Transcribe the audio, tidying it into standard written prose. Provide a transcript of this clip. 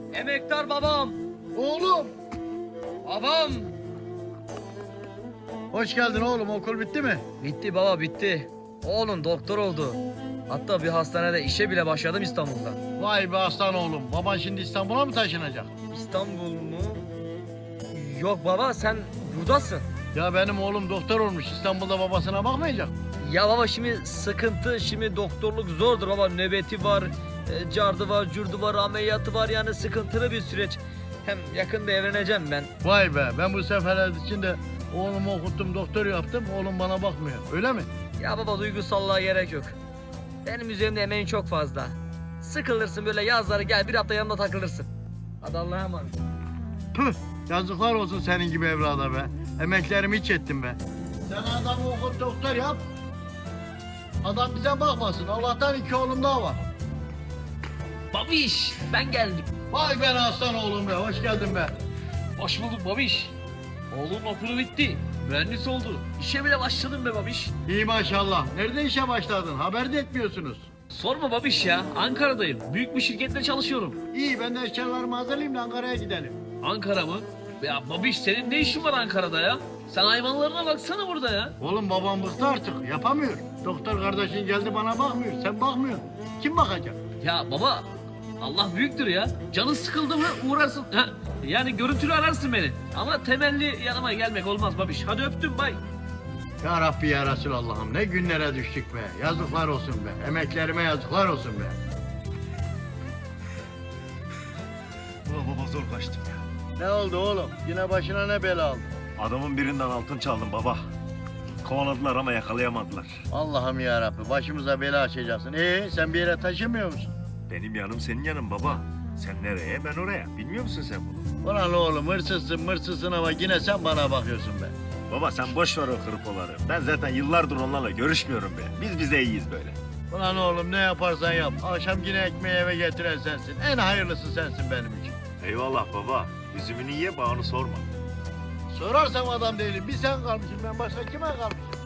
Emektar babam. Oğlum. Babam. Hoş geldin oğlum. Okul bitti mi? Bitti baba bitti. Oğlum doktor oldu. Hatta bir hastanede işe bile başladım İstanbul'da. Vay be aslan oğlum. Baban şimdi İstanbul'a mı taşınacak? İstanbul mu? Yok baba sen buradasın. Ya benim oğlum doktor olmuş. İstanbul'da babasına bakmayacak. Ya baba şimdi sıkıntı, şimdi doktorluk zordur baba. Nöbeti var, cardı var, curdu var, ameliyatı var, yani sıkıntılı bir süreç. Hem yakında evleneceğim ben. Vay be. Ben bu seferler içinde oğlumu okuttum, doktor yaptım. Oğlum bana bakmıyor. Öyle mi? Ya baba duygusallığa gerek yok. Benim üzerimde emeğin çok fazla. Sıkılırsın böyle yazları gel bir hafta yanımda takılırsın. Hadi Allah'a emanet. Püh. Yazıklar olsun senin gibi evlada be. Emeklerimi hiç ettim be. Sen adamı okut doktor yap. Adam bize bakmasın. Allah'tan 2 oğlum daha var. Babiş ben geldim. Vay be aslan oğlum be. Hoş geldin be. Hoş bulduk babiş. Oğlum okulu bitti. Mühendis oldu. İşe bile başladım be babiş. İyi maşallah. Nerede işe başladın? Haber de etmiyorsunuz. Sorma babiş ya. Ankara'dayım. Büyük bir şirkette çalışıyorum. İyi ben de eşyalarımı hazırlayayım da Ankara'ya gidelim. Ankara mı? Ya babiş senin ne işin var Ankara'da ya? Sen hayvanlarına baksana burada ya. Oğlum babam bıktı artık. Yapamıyor. Doktor kardeşin geldi bana bakmıyor. Sen bakmıyorsun. Kim bakacak? Ya baba Allah büyüktür ya. Canın sıkıldı mı uğrarsın. Ha, yani görüntülü ararsın beni. Ama temelli yanıma gelmek olmaz babiş. Hadi öptüm bay. Ya Rabbi ya Resulallah'ım ne günlere düştük be. Yazıklar olsun be. Emeklerime yazıklar olsun be. Ulan baba zor kaçtım ya. Ne oldu oğlum? Yine başına ne bela aldı? Adamın birinden altın çaldım baba. Kovaladılar ama yakalayamadılar. Allah'ım ya Rabbi başımıza bela açacaksın. Sen bir yere taşımıyor musun? Benim yanım senin yanın baba. Sen nereye ben oraya. Bilmiyor musun sen bunu? Ulan oğlum hırsızsın ama yine sen bana bakıyorsun be. Baba sen boş ver o hırpoları. Ben zaten yıllardır onlarla görüşmüyorum be. Biz bize iyiyiz böyle. Ulan oğlum ne yaparsan yap. Akşam yine ekmeği eve getiren sensin. En hayırlısı sensin benim için. Eyvallah baba. Üzümünü ye bağını sorma. Sorarsam adam değilim. Bir sen kalmışsın ben başka kime kalmışım?